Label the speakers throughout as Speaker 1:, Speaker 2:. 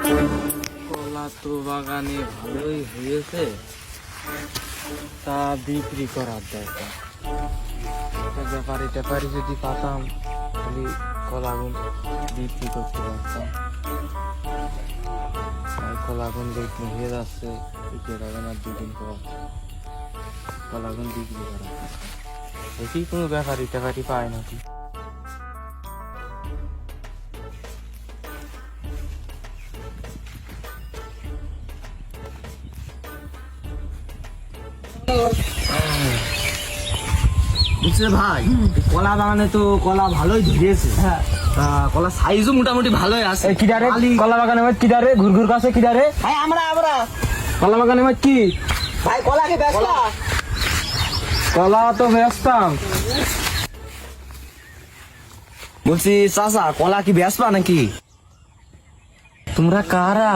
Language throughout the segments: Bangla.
Speaker 1: কলা তো বাগানে ভালোই হয়েছে, তা বিক্রি করার দরকার। ব্যাপারি ট্যাপারি যদি পাতাম তাহলে কলাগুন বিক্রি করতে পারতাম। কলাগুন বিক্রি হয়ে যাচ্ছে, বিক্রি হবে না 2 দিন পর। কলাগুন বিক্রি করা দেখি কোনো ব্যাপারি ট্যাপারি পায় নাকি।
Speaker 2: বুঝলে ভাই, কলা বাগানে তো কলা ভালোই ধরেছে। হ্যাঁ, কলা সাইজও মোটামুটি ভালোই আছে।
Speaker 1: কিদারে কলা বাগানে কিদারে ঘুরঘুর কাছে কিদারে
Speaker 2: ভাই আমরা
Speaker 1: কলা বাগানে কি
Speaker 2: ভাই কলাকে বেচলা?
Speaker 1: কলা তো বেচতাম।
Speaker 2: বলছি চাচা, কলা কি বেচবা নাকি?
Speaker 1: তোমরা কারা?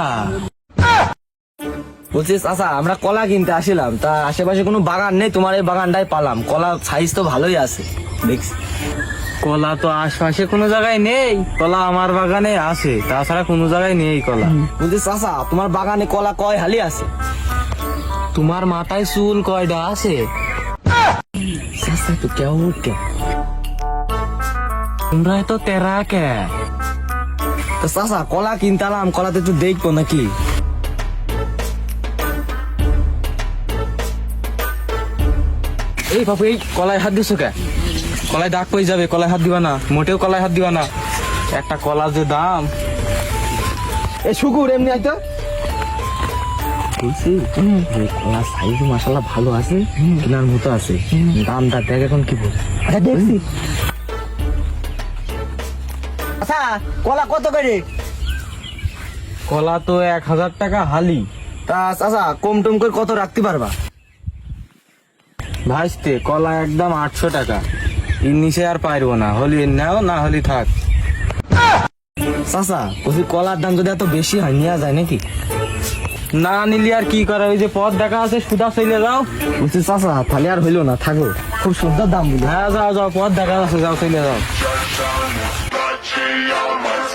Speaker 2: বলছি চাচা, আমরা কলা কিনতে আসিলাম, তা আশেপাশে কোনো বাগান নেই, তোমার এই বাগানটাই পালাম। কলা সাইজ তো ভালোই আছে দেখছি।
Speaker 1: কলা তো আশপাশে কোনো জায়গায় নেই, কলা আমার বাগানে আছে, তাছাড়া কোনো জায়গায় নেই কলা।
Speaker 2: বলছি চাচা, তোমার বাগানে কলা কয় হালি আছে?
Speaker 1: তোমার মাথায় চুল কয়টা আছে?
Speaker 2: চাচা তো কেমন কে?
Speaker 1: তোমরা তো তেরা কে?
Speaker 2: তো চাচা, কলা কিনতালাম, কলাতে একটু দেখবো নাকি?
Speaker 1: এই বাবু, এই কলায় হাত দিছো কে? কলায় দাগ পড়ে যাবে, কলায় হাত দিবা না, মোটেও কলায় হাত দিবা না। একটা কলা যে দাম।
Speaker 2: এই শুকুর এমনি আইতো বলছি, কলা সাইজ মাশাআল্লাহ ভালো আছে, কেনার মতো আছে। দামটা দেখ এখন কি বল। আচ্ছা দেখছি। আচ্ছা কলা কত করে?
Speaker 1: কলা তো 1000 টাকা হালি।
Speaker 2: তা চাচা কম টম করে কত রাখতে পারবা?
Speaker 1: ভাইস্তে কলা একদম 800 টাকা, এর নিচে আর পারবো না। হলি নাও, না হলি থাক।
Speaker 2: চাচা বলছি, কলার দাম যদি এত বেশি হয় নেওয়া যায় নাকি?
Speaker 1: না নিলি আর কি করা, ওই যে পথ দেখা আছে, সুদা চলে যাও।
Speaker 2: বলছি চাচা, তাহলে আর হইলো না, থাকো। খুব সুন্দর দাম বলি।
Speaker 1: হ্যাঁ যাও যাও, পথ দেখা আছে, যাও চলে যাও।
Speaker 3: Got you on my